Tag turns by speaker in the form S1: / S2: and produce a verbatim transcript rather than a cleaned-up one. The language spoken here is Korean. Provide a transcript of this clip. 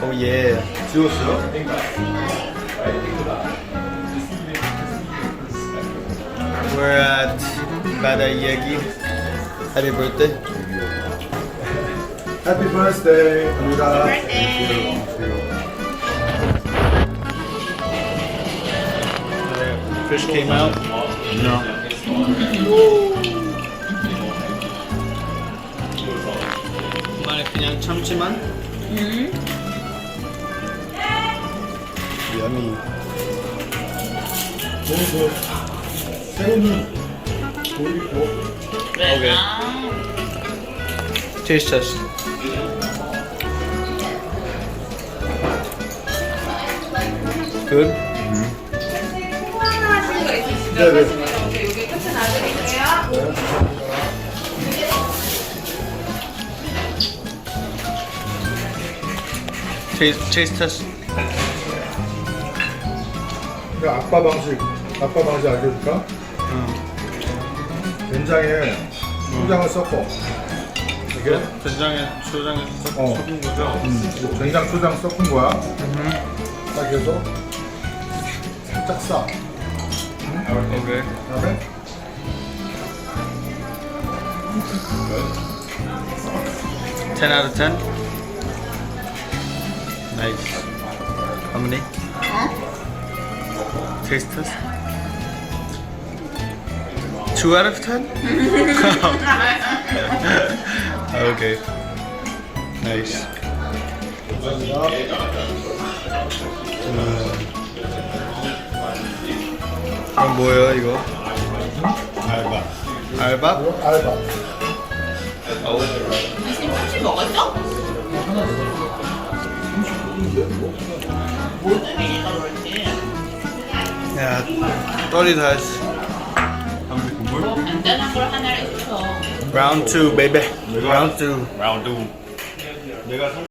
S1: Oh yeah.
S2: 지웠어요?
S1: We're at Bada Yegi. Happy birthday.
S2: Happy birthday, 우리가.
S3: birthday.
S1: Fish came out.
S2: No.
S1: 이번에 그냥 참치만.
S3: 음.
S1: Yummy.
S2: 너무 좋아. 새우는 돌리고.
S1: Okay.
S3: 아,
S1: Taste test. Good.
S2: 네네.
S3: 여기 끝에 놔드릴게요.
S1: Taste taste test.
S2: 그러니까 아빠 방식, 아빠 방식 알려줄까?
S1: 응.
S2: 된장에 초장을 섞어. 이게?
S1: 된장에 초장에 섞-
S2: 어.
S1: 섞은 거죠?
S2: 음, 된장 초장 섞은 거야. 딱 해서 살짝 싸.
S1: Okay.
S2: 그다음에
S1: ten out of ten. Nice. How many?
S3: 어?
S1: Taste test. Two out of ten. Okay. Nice. 이건 뭐예요 이거? 알밥. 알밥?
S2: 이거 알바.
S1: 어우.
S3: 지금 혹시 먹었어? 모듬이니까 그렇지.
S1: 야, 떨이 다 했어.
S3: 뭐 간단한 걸 하나를 시켜.
S1: Round two, baby. Round two.
S4: 라운드 내가